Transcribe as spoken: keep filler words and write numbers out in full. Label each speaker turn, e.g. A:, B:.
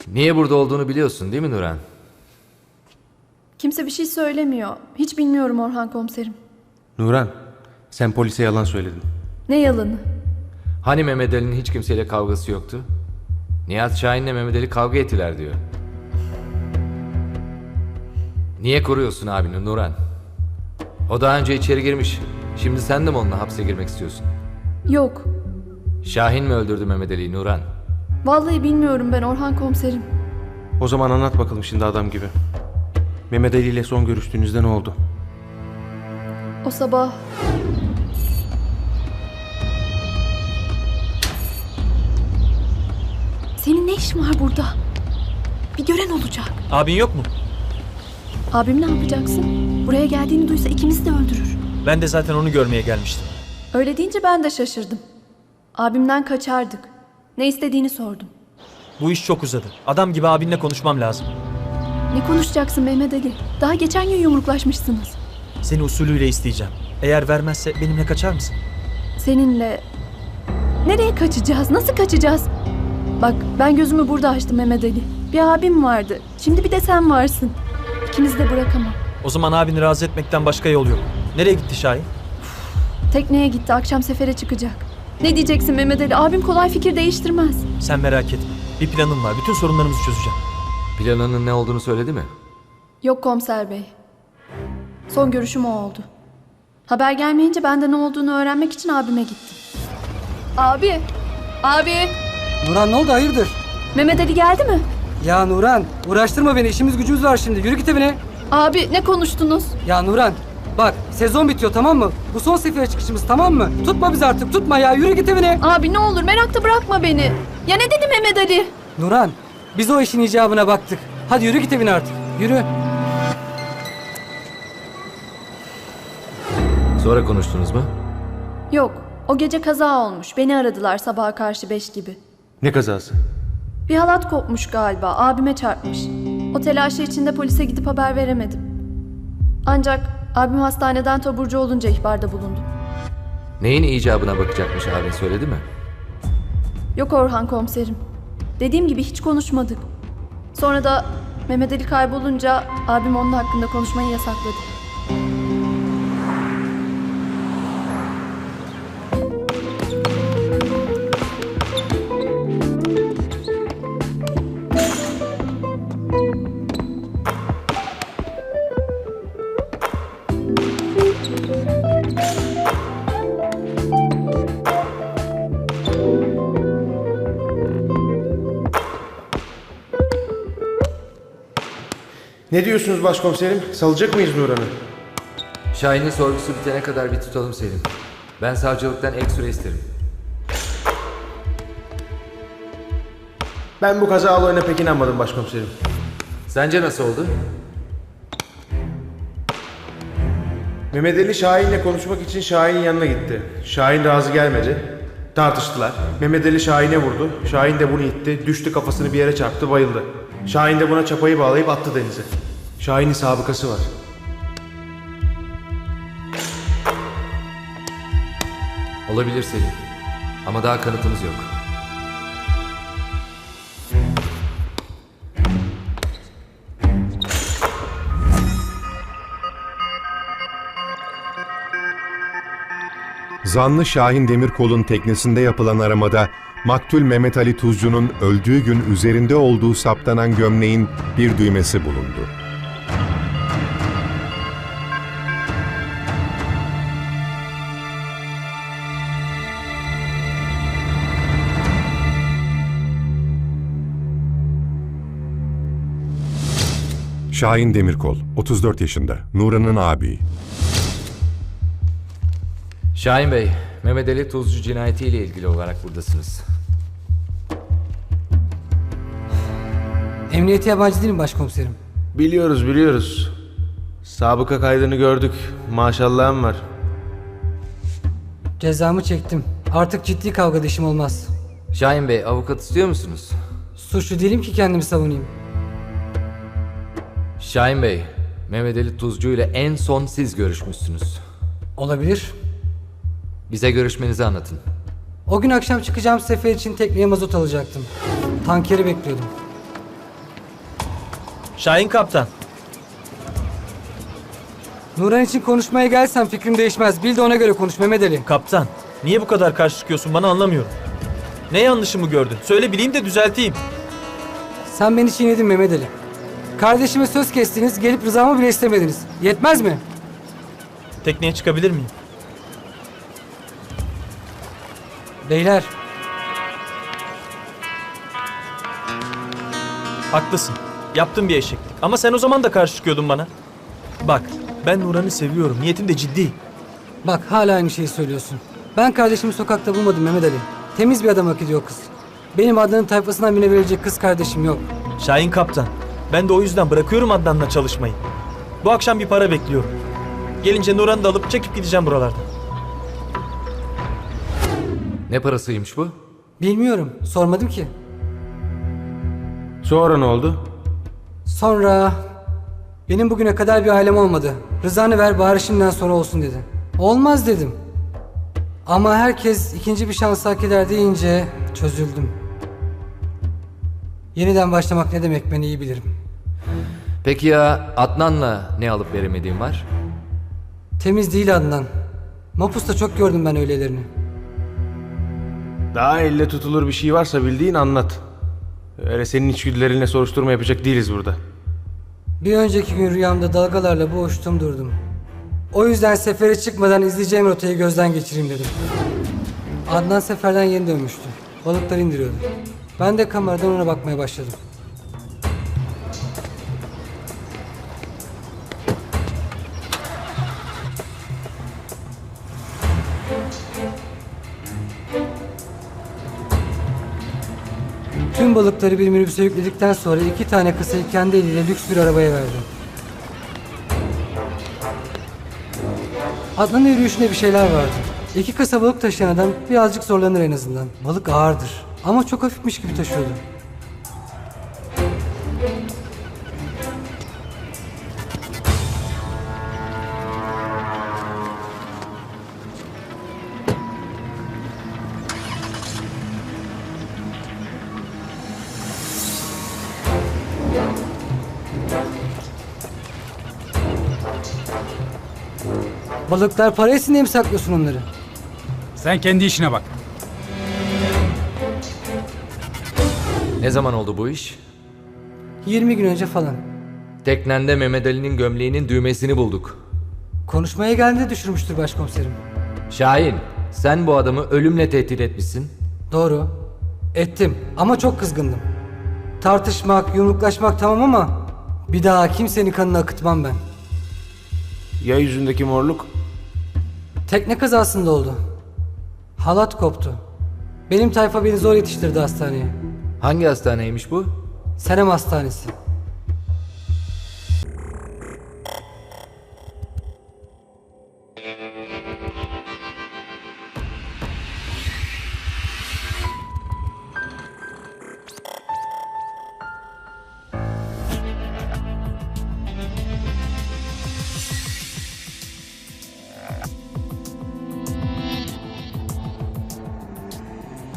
A: Niye burada olduğunu biliyorsun değil mi Nuran?
B: Kimse bir şey söylemiyor. Hiç bilmiyorum Orhan komiserim.
C: Nuran, sen polise yalan söyledin.
B: Ne yalanı?
A: Hani Mehmet Ali'nin hiç kimseyle kavgası yoktu? Nihat Şahin'le Mehmet Ali kavga ettiler diyor. Niye koruyorsun abini Nuran? O daha önce içeri girmiş. Şimdi sen de mi onunla hapse girmek istiyorsun?
B: Yok.
A: Şahin mi öldürdü Mehmet Ali'yi Nuran?
B: Vallahi bilmiyorum ben Orhan komiserim.
C: O zaman anlat bakalım şimdi adam gibi. Mehmet Ali ile son görüştüğünüzde ne oldu?
B: O sabah... Senin ne işin var burada? Bir gören olacak.
D: Abin yok mu?
B: Abim ne yapacaksın? Buraya geldiğini duysa ikimizi de öldürür.
D: Ben de zaten onu görmeye gelmiştim.
B: Öyle deyince ben de şaşırdım. Abimden kaçardık. Ne istediğini sordum.
D: Bu iş çok uzadı. Adam gibi abinle konuşmam lazım.
B: Ne konuşacaksın Mehmet Ali? Daha geçen gün yumruklaşmışsınız.
D: Seni usulüyle isteyeceğim. Eğer vermezse benimle kaçar mısın?
B: Seninle... Nereye kaçacağız? Nasıl kaçacağız? Bak ben gözümü burada açtım Mehmet Ali. Bir abim vardı. Şimdi bir de sen varsın. İkimizi de bırakamam.
D: O zaman abini razı etmekten başka yol yok. Nereye gitti Şahin?
B: Tekneye gitti. Akşam sefere çıkacak. Ne diyeceksin Mehmet Ali? Abim kolay fikir değiştirmez.
D: Sen merak etme. Bir planım var. Bütün sorunlarımızı çözeceğim.
A: Planının ne olduğunu söyledi mi?
B: Yok komiser bey. Son görüşüm o oldu. Haber gelmeyince ben de ne olduğunu öğrenmek için abime gittim. Abi! Abi!
E: Nuran ne oldu hayırdır?
B: Mehmet Ali geldi mi?
E: Ya Nuran uğraştırma beni, işimiz gücümüz var şimdi, yürü git evine.
B: Abi ne konuştunuz?
E: Ya Nuran bak sezon bitiyor tamam mı? Bu son sefere çıkışımız tamam mı? Tutma bizi artık, tutma ya, yürü git evine.
B: Abi ne olur merakta bırakma beni. Ya ne dedi Mehmet Ali?
E: Nuran biz o işin icabına baktık. Hadi yürü git evine artık, yürü.
A: Sonra konuştunuz mu?
B: Yok o gece kaza olmuş. Beni aradılar sabaha karşı beş gibi.
C: Ne kazası?
B: Bir halat kopmuş galiba. Abime çarpmış. O telaşı içinde polise gidip haber veremedim. Ancak abim hastaneden taburcu olunca ihbarda bulundum.
A: Neyin icabına bakacakmış abin söyledi mi?
B: Yok Orhan komiserim. Dediğim gibi hiç konuşmadık. Sonra da Mehmet Ali kaybolunca abim onun hakkında konuşmayı yasakladı.
F: Ne diyorsunuz başkomiserim? Salacak mıyız Nuran'ı?
A: Şahin'in sorgusu bitene kadar bir tutalım Selim. Ben savcılıktan ek süre isterim.
F: Ben bu kaza olayına pek inanmadım başkomiserim.
A: Sence nasıl oldu?
F: Mehmet Ali Şahin'le konuşmak için Şahin'in yanına gitti. Şahin razı gelmedi. Tartıştılar. Mehmet Ali Şahin'e vurdu. Şahin de bunu itti. Düştü, kafasını bir yere çarptı, bayıldı. Şahin de buna çapayı bağlayıp attı denize. Şahin'in sabıkası var.
A: Olabilir Selim. Ama daha kanıtımız yok.
G: Zanlı Şahin Demirkol'un teknesinde yapılan aramada maktul Mehmet Ali Tuzcu'nun öldüğü gün üzerinde olduğu saptanan gömleğin bir düğmesi bulundu. Şahin Demirkol, otuz dört yaşında, Nuran'ın abi.
A: Şahin Bey, Mehmet Ali Tuzcu cinayetiyle ilgili olarak buradasınız.
E: Emniyete yabancı değilim başkomiserim.
F: Biliyoruz biliyoruz. Sabıka kaydını gördük. Maşallahım var.
E: Cezamı çektim. Artık ciddi kavgada işim olmaz.
A: Şahin Bey, avukat istiyor musunuz?
E: Suçlu değilim ki kendimi savunayım.
A: Şahin Bey, Mehmet Ali Tuzcu ile en son siz görüşmüşsünüz.
E: Olabilir.
A: Bize görüşmenizi anlatın.
E: O gün akşam çıkacağım sefer için tekneye mazot alacaktım. Tankeri bekliyordum.
D: Şahin kaptan.
E: Nuran için konuşmaya gelsen fikrim değişmez. Bil de ona göre konuş Mehmet Ali.
D: Kaptan, niye bu kadar karşı çıkıyorsun bana anlamıyorum. Ne yanlışımı gördün? Söyle bileyim de düzelteyim.
E: Sen beni çiğnedin Mehmet Ali. Kardeşime söz kestiniz, gelip rızamı bile istemediniz. Yetmez mi?
D: Tekneye çıkabilir miyim?
E: Beyler,
D: Haklısın. Yaptım bir eşeklik. Ama sen o zaman da karşı çıkıyordun bana. Bak, ben Nuran'ı seviyorum. Niyetim de ciddi.
E: bak hala aynı şeyi söylüyorsun. Ben kardeşimi sokakta bulmadım Mehmet Ali. Temiz bir adam hak ediyor kız. Benim Adnan'ın tayfasından birine verecek kız kardeşim yok.
D: Şahin kaptan. Ben de o yüzden bırakıyorum Adnan'la çalışmayı. Bu akşam bir para bekliyorum. Gelince Nuran'ı da alıp çekip gideceğim buralardan.
A: Ne parasıymış bu?
E: Bilmiyorum, sormadım ki.
C: Sonra ne oldu?
E: Sonra benim bugüne kadar bir ailem olmadı. Rızanı ver bari şimdiden sonra olsun dedi. Olmaz dedim. Ama herkes ikinci bir şans hak eder deyince çözüldüm. Yeniden başlamak ne demek ben iyi bilirim.
A: Peki ya Adnan'la ne alıp veremediğin var?
E: Temiz değil Adnan. Mapus'ta çok gördüm ben öylelerini.
C: Daha elle tutulur bir şey varsa bildiğin anlat. Öyle senin içgüdülerinle soruşturma yapacak değiliz burada.
E: Bir önceki gün rüyamda dalgalarla boğuştum durdum. O yüzden sefere çıkmadan izleyeceğim rotayı gözden geçireyim dedim. Adnan seferden yeni dönmüştü. Balıklar indiriyordu. Ben de kameradan ona bakmaya başladım. Tüm balıkları bir minibüse yükledikten sonra iki tane kısayı kendi eliyle lüks bir arabaya verdi. Adnan'ın yürüyüşünde bir şeyler vardı. İki kasa balık taşıyan adam birazcık zorlanır en azından. Balık ağırdır ama çok hafifmiş gibi taşıyordu. Balıklar para etsin diye mi saklıyorsun onları?
H: Sen kendi işine bak.
A: Ne zaman oldu bu iş?
E: yirmi gün önce falan.
A: Teknende Mehmet Ali'nin gömleğinin düğmesini bulduk.
E: Konuşmaya geldiğinde düşürmüştür başkomiserim.
A: Şahin, sen bu adamı ölümle tehdit etmişsin.
E: Doğru. Ettim ama çok kızgındım. Tartışmak, yumruklaşmak tamam ama bir daha kimsenin kanını akıtmam ben.
C: Ya yüzündeki morluk?
E: Tekne kazasında oldu. Halat koptu. Benim tayfa beni zor yetiştirdi hastaneye.
A: Hangi hastaneymiş bu?
E: Senem Hastanesi.